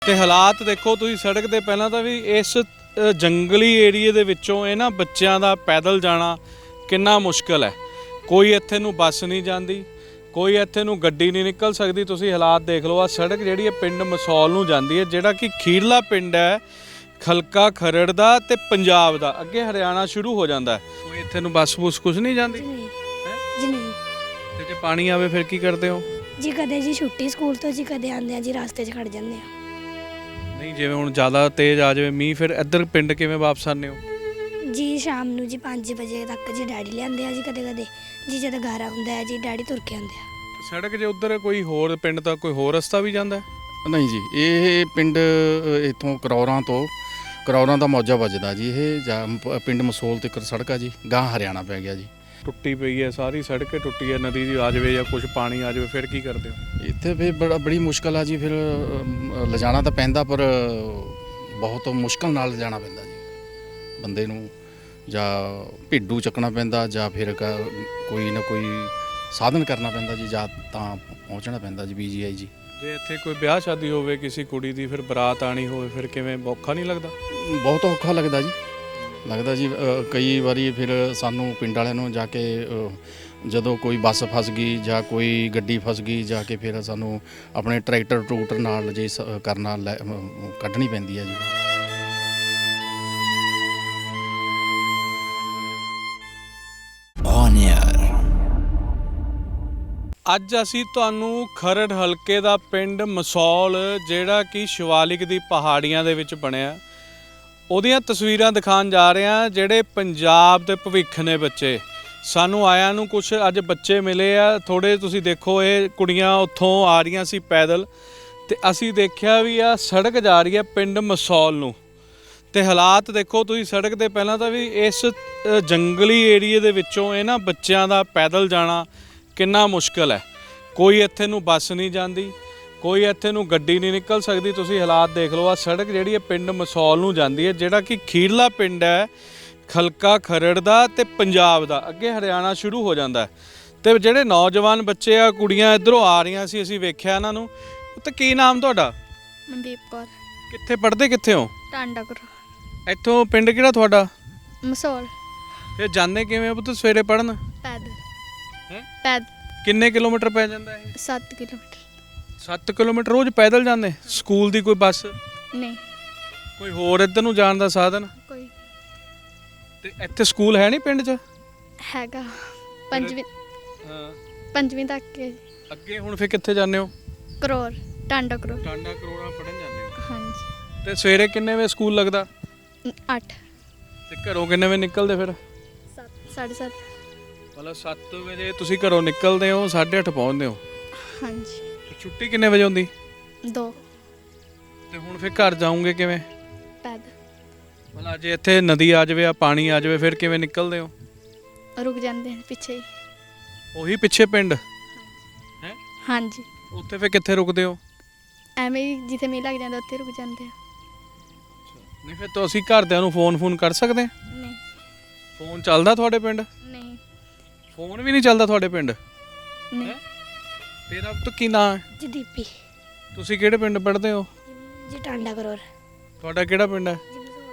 ਤੇ ਹਾਲਾਤ ਦੇਖੋ ਤੁਸੀਂ ਸੜਕ ਦੇ ਪਹਿਲਾਂ ਤਾਂ ਵੀ ਇਸ ਜੰਗਲੀ ਏਰੀਏ ਦੇ ਵਿੱਚੋਂ ਇਹਨਾਂ ਬੱਚਿਆਂ ਦਾ ਪੈਦਲ ਜਾਣਾ ਕਿੰਨਾ ਮੁਸ਼ਕਲ ਹੈ। ਕੋਈ ਇੱਥੇ ਨੂੰ ਬੱਸ ਨਹੀਂ ਜਾਂਦੀ, ਕੋਈ ਇੱਥੇ ਨੂੰ ਗੱਡੀ ਨਹੀਂ ਨਿਕਲ ਸਕਦੀ। ਤੁਸੀਂ ਹਾਲਾਤ ਦੇਖ ਲਓ, ਆ ਸੜਕ ਜਿਹੜੀ ਹੈ ਪਿੰਡ ਮਸੌਲ ਨੂੰ ਜਾਂਦੀ ਹੈ, ਜਿਹੜਾ ਕਿ ਖੀਰਲਾ ਪਿੰਡ ਹੈ ਖਲਕਾ ਖਰੜ ਦਾ ਤੇ ਪੰਜਾਬ ਦਾ, ਅੱਗੇ ਹਰਿਆਣਾ ਸ਼ੁਰੂ ਹੋ ਜਾਂਦਾ ਹੈ। ਕੋਈ ਇੱਥੇ ਨੂੰ ਬੱਸ ਬੁਸ ਕੁਝ ਨਹੀਂ ਜਾਂਦੀ ਜੀ ਨਹੀਂ। ਤੇ ਜੇ ਪਾਣੀ ਆਵੇ ਫਿਰ ਕੀ ਕਰਦੇ ਹੋ ਜੀ? ਕਦੇ ਜੀ ਛੁੱਟੀ ਸਕੂਲ ਤੋਂ ਜੀ, ਕਦੇ ਆਉਂਦੇ ਆ ਜੀ ਰਸਤੇ 'ਚ ਖੜ ਜਾਂਦੇ ਆ। ਨਹੀਂ ਜਿਵੇਂ ਹੁਣ ਜ਼ਿਆਦਾ ਤੇਜ਼ ਆ ਜਾਵੇ ਮੀਂਹ, ਫਿਰ ਇੱਧਰ ਪਿੰਡ ਕਿਵੇਂ ਵਾਪਸ ਆਉਂਦੇ ਹੋ? ਜੀ ਸ਼ਾਮ ਨੂੰ ਜੀ 5 ਵਜੇ ਤੱਕ ਜੀ ਡੈਡੀ ਲਿਆਉਂਦੇ ਆ ਜੀ, ਕਦੇ ਕਦੇ ਜੀ ਜਦੋਂ ਗਾਰਾ ਹੁੰਦਾ ਹੈ ਜੀ ਡੈਡੀ ਤੁਰ ਕੇ ਆਉਂਦੇ ਆ। ਸੜਕ ਜੇ ਉੱਧਰ ਕੋਈ ਹੋਰ ਪਿੰਡ ਦਾ ਕੋਈ ਹੋਰ ਰਸਤਾ ਵੀ ਜਾਂਦਾ ਹੈ? ਨਹੀਂ ਜੀ, ਇਹ ਪਿੰਡ ਇੱਥੋਂ ਕਰੌਰਾਂ ਦਾ ਮੌਜਾ ਵੱਜਦਾ ਜੀ। ਇਹ ਪਿੰਡ ਮਸੋਲ ਤੇ ਸੜਕ ਆ ਜੀ, ਗਾਂ ਹਰਿਆਣਾ ਪੈ ਗਿਆ ਜੀ। ਟੁੱਟੀ ਪਈ ਹੈ ਸਾਰੀ ਸੜਕ, ਟੁੱਟੀ ਹੈ, ਨਦੀ ਦੀ ਆ ਜਾਵੇ ਜਾਂ ਕੁਝ ਪਾਣੀ ਆ ਜਾਵੇ ਫਿਰ ਕੀ ਕਰਦੇ ਹੋ? ਇੱਥੇ ਫਿਰ ਬੜੀ ਮੁਸ਼ਕਲ ਆ ਜੀ। ਫਿਰ ਲਿਜਾਣਾ ਤਾਂ ਪੈਂਦਾ, ਪਰ ਬਹੁਤ ਮੁਸ਼ਕਲ ਨਾਲ ਲਿਜਾਣਾ ਪੈਂਦਾ ਜੀ ਬੰਦੇ ਨੂੰ। ਜਾਂ ਭੇਡੂ ਚੱਕਣਾ ਪੈਂਦਾ, ਜਾਂ ਫਿਰ ਕੋਈ ਨਾ ਕੋਈ ਸਾਧਨ ਕਰਨਾ ਪੈਂਦਾ ਜੀ, ਜਾਂ ਤਾਂ ਪਹੁੰਚਣਾ ਪੈਂਦਾ ਜੀ PGI ਜੀ। ਜੇ ਇੱਥੇ ਕੋਈ ਵਿਆਹ ਸ਼ਾਦੀ ਹੋਵੇ ਕਿਸੇ ਕੁੜੀ ਦੀ, ਫਿਰ ਬਰਾਤ ਆਣੀ ਹੋਵੇ, ਫਿਰ ਕਿਵੇਂ ਔਖਾ ਨਹੀਂ ਲੱਗਦਾ? ਬਹੁਤ ਔਖਾ ਲੱਗਦਾ ਜੀ। ਕਈ ਵਾਰੀ ਫਿਰ ਸਾਨੂੰ ਪਿੰਡ ਵਾਲਿਆਂ ਨੂੰ ਜਾ ਕੇ ਜਦੋਂ ਕੋਈ ਬੱਸ ਫਸ ਗਈ ਜਾਂ ਕੋਈ ਗੱਡੀ ਫਸ ਗਈ, ਜਾ ਕੇ ਫਿਰ ਸਾਨੂੰ ਆਪਣੇ ਟਰੈਕਟਰ ਨਾਲ ਜੇ ਕਰਨਾ ਕੱਢਣੀ ਪੈਂਦੀ ਹੈ ਜੀ। ਅੱਜ ਅਸੀਂ ਤੁਹਾਨੂੰ ਖਰੜ ਹਲਕੇ ਦਾ ਪਿੰਡ ਮਸੌਲ, ਜਿਹੜਾ ਕਿ ਸ਼ਿਵਾਲਿਕ ਦੀ ਪਹਾੜੀਆਂ ਦੇ ਵਿੱਚ ਬਣਿਆ, ਉਹਦੀਆਂ ਤਸਵੀਰਾਂ ਦਿਖਾਉਣ ਜਾ ਰਹੇ ਹਾਂ। ਜਿਹੜੇ ਪੰਜਾਬ ਦੇ ਭਵਿੱਖ ਨੇ ਬੱਚੇ, ਸਾਨੂੰ ਆਇਆਂ ਨੂੰ ਕੁਝ ਅੱਜ ਬੱਚੇ ਮਿਲੇ ਆ ਥੋੜ੍ਹੇ। ਤੁਸੀਂ ਦੇਖੋ, ਇਹ ਕੁੜੀਆਂ ਉੱਥੋਂ ਆ ਰਹੀਆਂ ਸੀ ਪੈਦਲ, ਤੇ ਅਸੀਂ ਦੇਖਿਆ ਵੀ ਆ ਸੜਕ ਜਾ ਰਹੀ ਹੈ ਪਿੰਡ ਮਸੌਲ ਨੂੰ। ਤੇ ਹਾਲਾਤ ਦੇਖੋ ਤੁਸੀਂ ਸੜਕ ਦੇ ਪਹਿਲਾਂ ਤਾਂ ਵੀ ਇਸ ਜੰਗਲੀ ਏਰੀਏ ਦੇ ਵਿੱਚੋਂ ਇਹਨਾਂ ਬੱਚਿਆਂ ਦਾ ਪੈਦਲ ਜਾਣਾ ਕਿੰਨਾ ਮੁਸ਼ਕਲ ਹੈ। ਕੋਈ ਇੱਥੇ ਨੂੰ ਬੱਸ ਨਹੀਂ ਜਾਂਦੀ, ਕੋਈ ਇੱਥੇ ਨੂੰ ਗੱਡੀ ਨਹੀਂ ਨਿਕਲ ਸਕਦੀ। ਤੁਸੀਂ ਹਾਲਾਤ ਦੇਖ ਲਓ, ਆ ਸੜਕ ਜਿਹੜੀ ਹੈ ਪਿੰਡ ਮਸੌਲ ਨੂੰ ਜਾਂਦੀ ਹੈ, ਜਿਹੜਾ ਕਿ ਖੀਰਲਾ ਪਿੰਡ ਹੈ ਖਲਕਾ ਖਰੜ ਦਾ ਤੇ ਪੰਜਾਬ ਦਾ, ਅੱਗੇ ਹਰਿਆਣਾ ਸ਼ੁਰੂ ਹੋ ਜਾਂਦਾ ਹੈ। ਤੇ ਜਿਹੜੇ ਨੌਜਵਾਨ ਬੱਚੇ ਆ, ਕੁੜੀਆਂ ਇੱਧਰੋਂ ਆ ਰਹੀਆਂ ਸੀ, ਅਸੀਂ ਵੇਖਿਆ ਇਹਨਾਂ ਨੂੰ। ਤੇ ਕੀ ਨਾਮ ਤੁਹਾਡਾ? ਮਨਦੀਪ ਕੌਰ। ਕਿੱਥੇ ਪੜ੍ਹਦੇ ਕਿੱਥੇ ਹੋ? ਟਾਂਡਾ ਕਰੋ। ਇੱਥੋਂ ਪਿੰਡ ਕਿਹੜਾ ਤੁਹਾਡਾ? ਮਸੌਲ। ਫਿਰ ਜਾਂਦੇ ਕਿਵੇਂ ਹੋ ਪੁੱਤ ਸਵੇਰੇ ਪੜ੍ਹਨ? ਪੈਦ ਕਿੰਨੇ ਕਿਲੋਮੀਟਰ ਪੈ ਜਾਂਦਾ ਇਹ? 7 ਕਿਲੋਮੀਟਰ। 7 ਕਿਲੋਮੀਟਰ ਰੋਜ਼ ਪੈਦਲ ਜਾਂਦੇ? ਸਕੂਲ ਦੀ ਕੋਈ ਬੱਸ ਨਹੀਂ, ਕੋਈ ਹੋਰ ਇੱਧਰ ਨੂੰ ਜਾਣ ਦਾ ਸਾਧਨ? ਕੋਈ ਤੇ ਇੱਥੇ ਸਕੂਲ ਹੈ ਨਹੀਂ ਪਿੰਡ 'ਚ? ਹੈਗਾ ਹਾਂ, ਪੰਜਵੀਂ ਤੱਕ ਕੇ। ਅੱਗੇ ਹੁਣ ਫਿਰ ਕਿੱਥੇ ਜਾਂਦੇ ਹੋ? ਕਰੋੜ, ਟਾਂਡਾ ਕਰੋੜ। ਟਾਂਡਾ ਕਰੋੜਾ ਪੜ੍ਹਨ ਜਾਂਦੇ ਹੋ? ਹਾਂਜੀ। ਤੇ ਸਵੇਰੇ ਕਿੰਨੇ ਵਜੇ ਸਕੂਲ ਲੱਗਦਾ? 8। ਤੇ ਘਰੋਂ ਕਿੰਨੇ ਵਜੇ ਨਿਕਲਦੇ ਫਿਰ? 7:30। ਮਤਲਬ 7 ਵਜੇ ਤੁਸੀਂ ਘਰੋਂ ਨਿਕਲਦੇ ਹੋ, 8:30 ਪਹੁੰਚਦੇ ਹੋ? ਹਾਂਜੀ। ਤੇ ਛੁੱਟੀ ਕਿੰਨੇ ਵਜੇ ਹੁੰਦੀ? 2। ਤੇ ਹੁਣ ਫਿਰ ਘਰ ਜਾਓਗੇ ਕਿਵੇਂ? ਪੈਦ ਮਤਲਬ ਜੇ ਇੱਥੇ ਨਦੀ ਆ ਜਾਵੇ, ਆ ਪਾਣੀ ਆ ਜਾਵੇ, ਫਿਰ ਕਿਵੇਂ ਨਿਕਲਦੇ ਹੋ? ਰੁਕ ਜਾਂਦੇ ਨੇ ਪਿੱਛੇ ਹੀ। ਉਹੀ ਪਿੱਛੇ ਪਿੰਡ ਹੈ? ਹਾਂਜੀ। ਉੱਥੇ ਫਿਰ ਕਿੱਥੇ ਰੁਕਦੇ ਹੋ? ਐਵੇਂ ਹੀ ਜਿੱਥੇ ਮੀਂਹ ਲੱਗ ਜਾਂਦਾ ਉੱਥੇ ਰੁਕ ਜਾਂਦੇ ਆ। ਨਹੀਂ ਫਿਰ ਤਾਂ ਅਸੀਂ ਘਰਦਿਆਂ ਨੂੰ ਫੋਨ ਕਰ ਸਕਦੇ ਹਾਂ? ਨਹੀਂ। ਫੋਨ ਚੱਲਦਾ ਤੁਹਾਡੇ ਪਿੰਡ? ਨਹੀਂ। ਫੋਨ ਵੀ ਨਹੀਂ ਚੱਲਦਾ ਤੁਹਾਡੇ ਪਿੰਡ? ਨਹੀਂ। ਤੇਰਾ ਤਾਂ ਕੀ ਨਾਂ ਹੈ? ਜੀ ਦੀਪੀ। ਤੁਸੀਂ ਕਿਹੜੇ ਪਿੰਡ ਪੜ੍ਹਦੇ ਹੋ? ਜੀ ਟਾਂਡਾ ਕਰੋਰ। ਤੁਹਾਡਾ ਕਿਹੜਾ ਪਿੰਡ ਹੈ?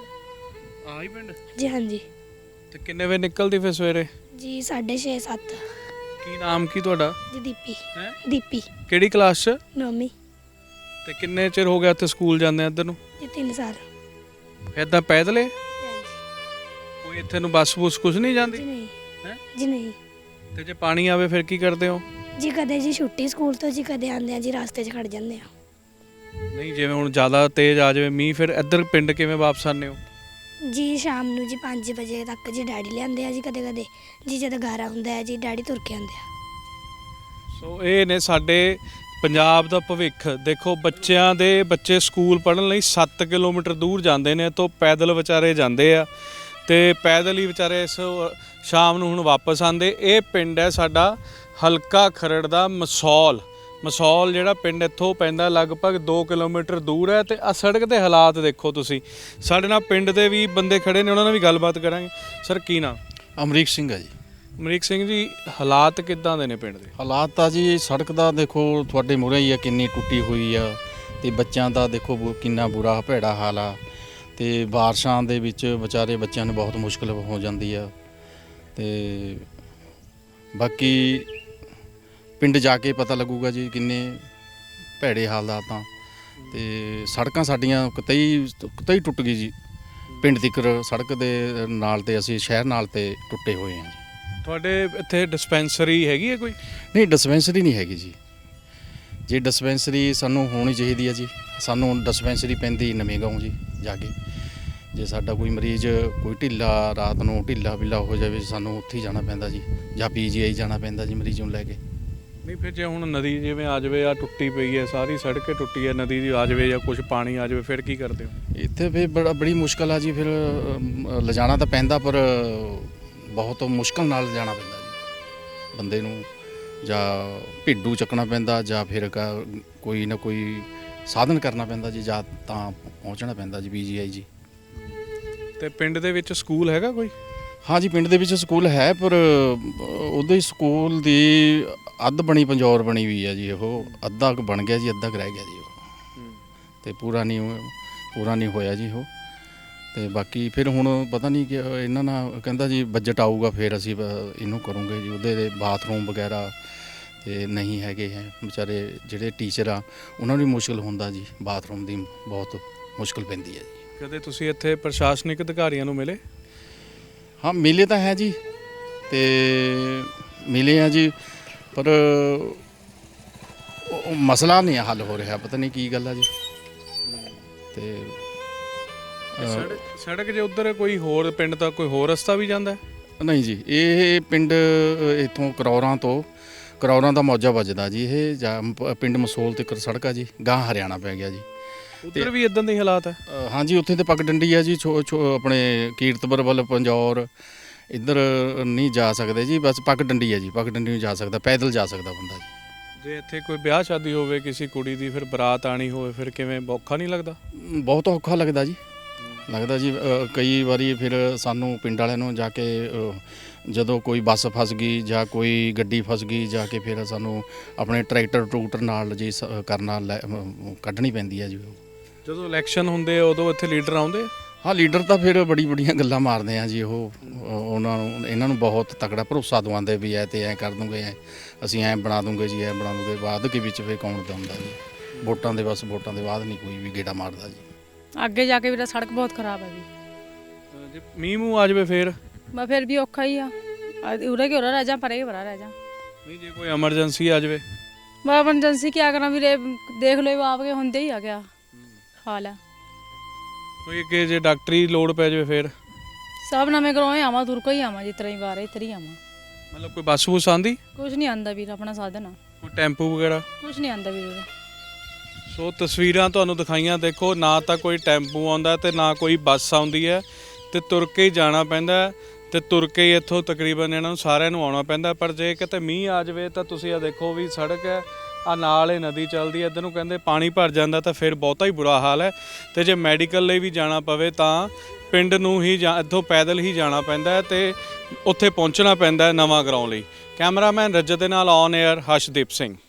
ਆਹੀ ਪਿੰਡ? ਜੀ ਹਾਂਜੀ। ਤੇ ਕਿੰਨੇ ਵਜੇ ਨਿਕਲਦੀ ਫਿਰ ਸਵੇਰੇ? ਜੀ 6:30 7। ਕੀ ਨਾਮ ਕੀ ਤੁਹਾਡਾ? ਜੀ ਦੀਪੀ। ਹੈ? ਦੀਪੀ। ਕਿਹੜੀ ਕਲਾਸ 'ਚ? ਨੌਵੀਂ। ਤੇ ਕਿੰਨੇ ਚਿਰ ਹੋ ਗਿਆ ਇੱਥੇ ਸਕੂਲ ਜਾਂਦੇ ਇੱਧਰ ਨੂੰ? ਜੀ 3 ਸਾਲ। ਇੱਦਾਂ ਪੈਦਲੇ? ਹਾਂਜੀ। ਕੋਈ ਇੱਥੇ ਨੂੰ ਬੱਸ ਬੁਸ ਕੁਝ ਨਹੀਂ ਜੀ ਜਾਂਦੀ? ਨਹੀਂ। ਹੈ? ਜੀ ਨਹੀਂ। ਤੇ ਜੇ ਪਾਣੀ ਆਵੇ ਫਿਰ ਕੀ ਕਰਦੇ ਹੋ? ਜੀ ਕਦੇ ਜੀ ਛੁੱਟੀ ਸਕੂਲ ਤੋਂ ਜੀ, ਕਦੇ ਆਉਂਦੇ ਆ ਜੀ ਰਸਤੇ 'ਚ ਖੜ ਜਾਂਦੇ ਆ। ਨਹੀਂ ਜਿਵੇਂ ਹੁਣ ਜ਼ਿਆਦਾ ਤੇਜ਼ ਆ ਜਾਵੇ ਮੀਂਹ, ਫਿਰ ਇੱਧਰ ਪਿੰਡ ਕਿਵੇਂ ਵਾਪਸ ਆਉਂਦੇ ਹੋ? ਜੀ ਸ਼ਾਮ ਨੂੰ ਜੀ 5 ਵਜੇ ਤੱਕ ਜੀ ਡੈਡੀ ਲਿਆਉਂਦੇ ਆ ਜੀ, ਕਦੇ ਕਦੇ ਜੀ ਜਦੋਂ ਗਾਰਾ ਹੁੰਦਾ ਹੈ ਜੀ ਡੈਡੀ ਤੁਰ ਕੇ ਆਉਂਦੇ ਆ। ਸੋ ਇਹ ਨੇ ਸਾਡੇ ਪੰਜਾਬ ਦਾ ਭਵਿੱਖ। ਦੇਖੋ ਬੱਚੇ ਸਕੂਲ ਪੜ੍ਹਨ ਲਈ 7 ਕਿਲੋਮੀਟਰ ਦੂਰ ਜਾਂਦੇ ਨੇ, ਤੋਂ ਪੈਦਲ ਵਿਚਾਰੇ ਜਾਂਦੇ ਆ, ਤੇ ਪੈਦਲ ਹੀ ਵਿਚਾਰੇ ਇਸ ਸ਼ਾਮ ਨੂੰ ਹੁਣ ਵਾਪਸ ਆਉਂਦੇ। ਇਹ ਪਿੰਡ ਹੈ ਸਾਡਾ ਹਲਕਾ ਖਰੜ ਦਾ ਮਸੌਲ। ਜਿਹੜਾ ਪਿੰਡ ਇੱਥੋਂ ਪੈਂਦਾ ਲਗਭਗ 2 ਕਿਲੋਮੀਟਰ ਦੂਰ ਹੈ। ਤੇ ਆ ਸੜਕ ਦੇ ਹਾਲਾਤ ਦੇਖੋ ਤੁਸੀਂ। ਸਾਡੇ ਨਾਲ ਪਿੰਡ ਦੇ ਵੀ ਬੰਦੇ ਖੜੇ ਨੇ, ਉਹਨਾਂ ਨਾਲ ਵੀ ਗੱਲਬਾਤ ਕਰਾਂਗੇ। ਸਰ ਕੀ ਨਾਮ? ਅਮਰੀਕ ਸਿੰਘ ਹੈ ਜੀ। ਅਮਰੀਕ ਸਿੰਘ ਜੀ, ਹਾਲਾਤ ਕਿੱਦਾਂ ਦੇ ਨੇ ਪਿੰਡ ਦੇ? ਹਾਲਾਤ ਤਾਂ ਜੀ ਸੜਕ ਦਾ ਦੇਖੋ ਤੁਹਾਡੇ ਮੂਹਰੇ ਹੀ ਆ, ਕਿੰਨੀ ਟੁੱਟੀ ਹੋਈ ਆ। ਤੇ ਬੱਚਿਆਂ ਦਾ ਦੇਖੋ ਕਿੰਨਾ ਬੁਰਾ ਭੈੜਾ ਹਾਲ ਆ। ਤੇ ਬਾਰਿਸ਼ਾਂ ਦੇ ਵਿੱਚ ਵਿਚਾਰੇ ਬੱਚਿਆਂ ਨੂੰ ਬਹੁਤ ਮੁਸ਼ਕਲ ਹੋ ਜਾਂਦੀ ਆ। ਤੇ ਬਾਕੀ ਪਿੰਡ ਜਾ ਕੇ ਪਤਾ ਲੱਗੂਗਾ ਜੀ ਕਿੰਨੇ ਭੈੜੇ ਹਾਲਾਤ ਆ। ਤੇ ਸੜਕਾਂ ਸਾਡੀਆਂ ਕਿਤੇ ਟੁੱਟ ਗਈ ਜੀ। ਪਿੰਡ ਤੀਕਰ ਸੜਕ ਦੇ ਨਾਲ ਤੇ ਅਸੀਂ ਸ਼ਹਿਰ ਨਾਲ ਤੇ ਟੁੱਟੇ ਹੋਏ ਹਾਂ ਜੀ। ਤੁਹਾਡੇ ਇੱਥੇ ਡਿਸਪੈਂਸਰੀ ਹੈਗੀ ਹੈ ਕੋਈ? ਨਹੀਂ, ਡਿਸਪੈਂਸਰੀ ਨਹੀਂ ਹੈਗੀ ਜੀ। ਜੇ ਡਿਸਪੈਂਸਰੀ ਸਾਨੂੰ ਹੋਣੀ ਚਾਹੀਦੀ ਹੈ ਜੀ। ਸਾਨੂੰ ਡਿਸਪੈਂਸਰੀ ਪੈਂਦੀ ਨਵੇਂ ਗਾਉਂ ਜੀ ਜਾ ਕੇ। ਜੇ ਸਾਡਾ ਕੋਈ ਮਰੀਜ਼ ਕੋਈ ਢਿੱਲਾ ਰਾਤ ਨੂੰ ਢਿੱਲਾ ਹੋ ਜਾਵੇ ਸਾਨੂੰ ਉੱਥੇ ਹੀ ਜਾਣਾ ਪੈਂਦਾ ਜੀ, ਜਾਂ PGI ਜਾਣਾ ਪੈਂਦਾ ਜੀ ਮਰੀਜ਼ ਨੂੰ ਲੈ ਕੇ। ਨਹੀਂ ਫਿਰ ਜੇ ਹੁਣ ਨਦੀ ਜਿਵੇਂ ਆ ਜਾਵੇ, ਆ ਟੁੱਟੀ ਪਈ ਹੈ ਸਾਰੀ ਸੜਕ ਟੁੱਟੀ ਹੈ, ਨਦੀ ਦੀ ਆ ਜਾਵੇ ਜਾਂ ਕੁਝ ਪਾਣੀ ਆ ਜਾਵੇ, ਫਿਰ ਕੀ ਕਰਦੇ ਹੋ? ਇੱਥੇ ਫਿਰ ਬੜੀ ਮੁਸ਼ਕਲ ਆ ਜੀ। ਫਿਰ ਲਿਜਾਣਾ ਤਾਂ ਪੈਂਦਾ ਪਰ ਬਹੁਤ ਮੁਸ਼ਕਲ ਨਾਲ ਲਿਜਾਣਾ ਪੈਂਦਾ ਜੀ ਬੰਦੇ ਨੂੰ। ਜਾਂ ਭੇਡੂ ਚੱਕਣਾ ਪੈਂਦਾ ਜਾਂ ਫਿਰ ਕੋਈ ਨਾ ਕੋਈ ਸਾਧਨ ਕਰਨਾ ਪੈਂਦਾ ਜੀ, ਜਾਂ ਤਾਂ ਪਹੁੰਚਣਾ ਪੈਂਦਾ ਜੀ PGI ਜੀ। ਤੇ ਪਿੰਡ ਦੇ ਵਿੱਚ ਸਕੂਲ ਹੈਗਾ ਕੋਈ? ਹਾਂ ਜੀ, ਪਿੰਡ ਦੇ ਵਿੱਚ ਸਕੂਲ ਹੈ ਪਰ ਉਹਦੇ ਸਕੂਲ ਦੀ ਅੱਧ ਬਣੀ ਪੰਜੌਰ ਬਣੀ ਹੋਈ ਆ ਜੀ। ਉਹ ਅੱਧਾ ਕੁ ਬਣ ਗਿਆ ਜੀ, ਅੱਧਾ ਕੁ ਰਹਿ ਗਿਆ ਜੀ ਉਹ। ਤੇ ਪੂਰਾ ਨਹੀਂ ਹੋਇਆ ਜੀ ਉਹ। ਤੇ ਬਾਕੀ ਫਿਰ ਹੁਣ ਪਤਾ ਨਹੀਂ ਕਿ ਇਹਨਾਂ ਨਾਲ ਕਹਿੰਦਾ ਜੀ ਬਜਟ ਆਊਗਾ ਫਿਰ ਅਸੀਂ ਇਹਨੂੰ ਕਰੂੰਗੇ ਜੀ। ਉਹਦੇ ਦੇ ਬਾਥਰੂਮ ਵਗੈਰਾ ਤੇ ਨਹੀਂ ਹੈਗੇ ਹੈ। ਵਿਚਾਰੇ ਜਿਹੜੇ ਟੀਚਰ ਆ ਉਹਨਾਂ ਨੂੰ ਵੀ ਮੁਸ਼ਕਲ ਹੁੰਦਾ ਜੀ, ਬਾਥਰੂਮ ਦੀ ਬਹੁਤ ਮੁਸ਼ਕਲ ਪੈਂਦੀ ਹੈ ਜੀ। ਕਦੇ ਤੁਸੀਂ ਇੱਥੇ ਪ੍ਰਸ਼ਾਸਨਿਕ ਅਧਿਕਾਰੀਆਂ ਨੂੰ ਮਿਲੇ? ਹਾਂ, ਮਿਲੇ ਤਾਂ ਹੈ ਜੀ, ਤੇ ਮਿਲੇ ਆ ਜੀ, ਪਰ ਉਹ ਮਸਲਾ ਨਹੀਂ ਹੱਲ ਹੋ ਰਿਹਾ। ਪਤਾ ਨਹੀਂ ਕੀ ਗੱਲ ਆ ਜੀ। ਤੇ ਸੜਕ ਜੇ ਉਧਰ ਕੋਈ ਹੋਰ ਪਿੰਡ ਦਾ ਕੋਈ ਹੋਰ ਰਸਤਾ ਵੀ ਜਾਂਦਾ ਹੈ? ਨਹੀਂ ਜੀ, ਇਹ ਪਿੰਡ ਇੱਥੋਂ ਕਰੌਰਾਂ ਦਾ ਮੌਜਾ ਵੱਜਦਾ ਜੀ। ਇਹ ਪਿੰਡ ਮਸੋਲ ਤੱਕ ਸੜਕ ਆ ਜੀ, ਗਾਂ ਹਰਿਆਣਾ ਪੈ ਗਿਆ ਜੀ। ਉਧਰ ਵੀ ਇਦਾਂ ਦੇ ਹਾਲਾਤ ਹੈ? ਹਾਂਜੀ, ਉੱਥੇ ਤੇ ਪੱਗ ਡੰਡੀ ਆ ਜੀ। ਆਪਣੇ ਕੀਰਤਪੁਰ ਵੱਲ ਪੰਜੌਰ ਇੱਧਰ ਨਹੀਂ ਜਾ ਸਕਦੇ ਜੀ। ਬਸ ਪੱਗ ਡੰਡੀ ਆ ਜੀ, ਪੱਗ ਡੰਡੀ ਨੂੰ ਜਾ ਸਕਦਾ, ਪੈਦਲ ਜਾ ਸਕਦਾ ਬੰਦਾ ਜੀ। ਜੇ ਇੱਥੇ ਕੋਈ ਵਿਆਹ ਸ਼ਾਦੀ ਹੋਵੇ ਕਿਸੇ ਕੁੜੀ ਦੀ, ਫਿਰ ਬਰਾਤ ਆਣੀ ਹੋਵੇ, ਫਿਰ ਕਿਵੇਂ ਔਖਾ ਨਹੀਂ ਲੱਗਦਾ? ਬਹੁਤ ਔਖਾ ਲੱਗਦਾ ਜੀ। ਜੀ ਕਈ ਵਾਰੀ ਫਿਰ ਸਾਨੂੰ ਪਿੰਡ ਵਾਲਿਆਂ ਨੂੰ ਜਾ ਕੇ ਜਦੋਂ ਕੋਈ ਬੱਸ ਫਸ ਗਈ ਜਾਂ ਕੋਈ ਗੱਡੀ ਫਸ ਗਈ, ਜਾ ਕੇ ਫਿਰ ਸਾਨੂੰ ਆਪਣੇ ਟਰੈਕਟਰ ਨਾਲ ਜੀ ਕੱਢਣੀ ਪੈਂਦੀ ਹੈ ਜੀ। ਜਦੋਂ ਇਲੈਕਸ਼ਨ ਹੁੰਦੇ ਉਦੋਂ ਇੱਥੇ ਲੀਡਰ ਆਉਂਦੇ? ਹਾਂ, ਲੀਡਰ ਤਾਂ ਫਿਰ ਬੜੀਆਂ ਗੱਲਾਂ ਮਾਰਦੇ ਆ ਜੀ। ਉਹ ਇਹਨਾਂ ਨੂੰ ਬਹੁਤ ਤਕੜਾ ਭਰੋਸਾ ਦਵਾਉਂਦੇ ਵੀ ਐ ਤੇ ਐ ਕਰ ਦੂੰਗੇ, ਅਸੀਂ ਐ ਬਣਾ ਦੂੰਗੇ ਜੀ, ਐ ਬਣਾ ਦੂੰਗੇ। ਬਾਅਦ ਕੇ ਵਿੱਚ ਫਿਰ ਕੌਣ ਦਉਂਦਾ ਜੀ। ਵੋਟਾਂ ਦੇ ਬਾਅਦ ਨਹੀਂ ਕੋਈ ਵੀ ਗੇੜਾ ਮਾਰਦਾ ਜੀ। ਅੱਗੇ ਜਾ ਕੇ ਵੀ ਸੜਕ ਬਹੁਤ ਖਰਾਬ ਹੈ ਵੀ। ਜੇ ਮੀਂਹ ਮੂੰਹ ਆ ਜਾਵੇ ਫਿਰ? ਮੈਂ ਫਿਰ ਵੀ ਔਖਾ ਹੀ ਆ। ਉਰੇ ਕਿ ਉਰਾ ਰਹਿ ਜਾ, ਪਰੇ ਪਰਾ ਰਹਿ ਜਾ। ਨਹੀਂ ਜੇ ਕੋਈ ਐਮਰਜੈਂਸੀ ਆ ਜਾਵੇ? ਮੈਂ ਐਮਰਜੈਂਸੀ ਕੀ ਕਰਾਂ ਵੀਰੇ, ਦੇਖ ਲਓ ਆਪ ਕੇ ਹੁੰਦੇ ਹੀ ਆ ਗਿਆ ਹਾਲ ਹੈ। ਕੋਈ ਅੱਗੇ ਜੇ ਡਾਕਟਰੀ ਲੋੜ ਪੈ ਜਾਵੇ ਫਿਰ? ਸਭ ਨਵੇਂ ਕਰਵਾਏ ਆਵਾਂ, ਤੁਰ ਕੇ ਹੀ ਆਵਾਂ ਜੀ, ਤਰ੍ਹਾਂ ਹੀ ਬਾਰੇ ਇੱਧਰ ਹੀ ਆਵਾਂ। ਮਤਲਬ ਕੋਈ ਬੱਸ ਬੁਸ ਆਉਂਦੀ? ਕੁਝ ਨਹੀਂ ਆਂਦਾ ਵੀਰ, ਆਪਣਾ ਸਾਧਨ ਆ। ਕੋਈ ਟੈਂਪੂ ਵਗੈਰਾ? ਕੁਝ ਨਹੀਂ ਆਂਦਾ ਵੀਰ। ਸੋ ਤਸਵੀਰਾਂ ਤੁਹਾਨੂੰ ਦਿਖਾਈਆਂ, ਦੇਖੋ ਨਾ ਤਾਂ ਕੋਈ ਟੈਂਪੂ ਆਉਂਦਾ ਤੇ ਨਾ ਕੋਈ ਬੱਸ ਆਉਂਦੀ ਹੈ, ਤੇ ਤੁਰ ਕੇ ਹੀ ਜਾਣਾ ਪੈਂਦਾ, ਤੇ ਤੁਰ ਕੇ ਹੀ ਇੱਥੋਂ ਤਕਰੀਬਨ ਇਹਨਾਂ ਨੂੰ ਸਾਰਿਆਂ ਨੂੰ ਆਉਣਾ ਪੈਂਦਾ। ਪਰ ਜੇ ਕਿਤੇ ਮੀਂਹ ਆ ਜਾਵੇ ਤਾਂ ਤੁਸੀਂ ਆ ਦੇਖੋ ਵੀ ਸੜਕ ਹੈ, ਆ ਨਾਲ ਇਹ ਨਦੀ ਚੱਲਦੀ ਹੈ, ਇੱਧਰ ਨੂੰ ਕਹਿੰਦੇ ਪਾਣੀ ਭਰ ਜਾਂਦਾ ਤਾਂ ਫਿਰ ਬਹੁਤਾ ਹੀ ਬੁਰਾ ਹਾਲ ਹੈ। ਤੇ ਜੇ ਮੈਡੀਕਲ ਲਈ ਵੀ ਜਾਣਾ ਪਵੇ ਤਾਂ ਪਿੰਡ ਨੂੰ ਹੀ ਇੱਥੋਂ ਪੈਦਲ ਹੀ ਜਾਣਾ ਪੈਂਦਾ ਹੈ ਤੇ ਉੱਥੇ ਪਹੁੰਚਣਾ ਪੈਂਦਾ ਨਵਾਂ ਗਰਾਉਂ ਲਈ। ਕੈਮਰਾਮੈਨ ਰਜਤ ਦੇ ਨਾਲ ਔਨ 에ਅਰ ਹਰਸ਼ਦੀਪ ਸਿੰਘ।